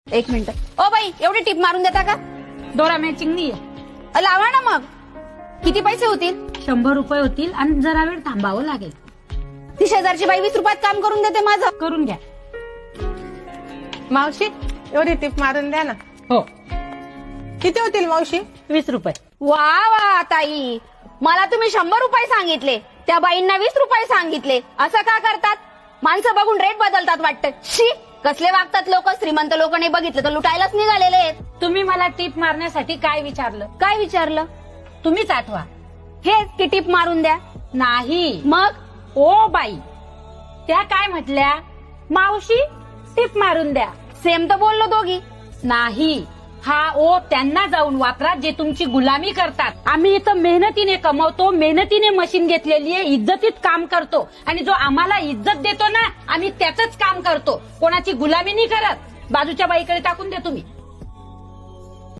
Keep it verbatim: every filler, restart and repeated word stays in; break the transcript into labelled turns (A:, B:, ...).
A: एक minute. O by, एवढी tip मारून देता का?
B: दोरा मॅचिंग नाहीये.
A: अ, लावा ना मग. किती पैसे होतील?
B: शंभर रुपये होतील आणि जरा वेळ थांबावं लागेल.
A: ती शेजारची बाई वीस रुपयात काम करून देते माझं.
B: करून घ्या.
C: मावशी एवढी टिप मारून द्या ना.
B: हो,
C: किती होतील मावशी?
B: वीस रुपये.
A: वा वा ताई, मला तुम्ही शंभर रुपये सांगितले, त्या बाईंना वीस रुपये सांगितले. असं का करतात? माणसं बघून रेट बदलतात वाटतं. शी, कसले वागतात लोक. श्रीमंत लोक नाही बघितलं तर लुटायलाच निघालेले आहेत.
B: तुम्ही मला टीप मारण्यासाठी काय विचारलं?
A: काय विचारलं?
B: तुम्हीच आठवा.
A: हेच की टिप मारून द्या.
B: नाही,
A: मग
B: ओ बाई, त्या काय म्हटल्या? मावशी टीप मारून द्या.
A: सेम तर बोललो दोघी.
B: नाही, हा ओ त्यांना जाऊन वापरा जे तुमची गुलामी करतात. आम्ही इथं मेहनतीने कमवतो, मेहनतीने मशीन घेतलेली आहे, इज्जतीत काम करतो आणि जो आम्हाला इज्जत देतो ना, आम्ही त्याच काम करतो. कोणाची गुलामी नाही करत. बाजूच्या बाईकडे टाकून द्या तुम्ही.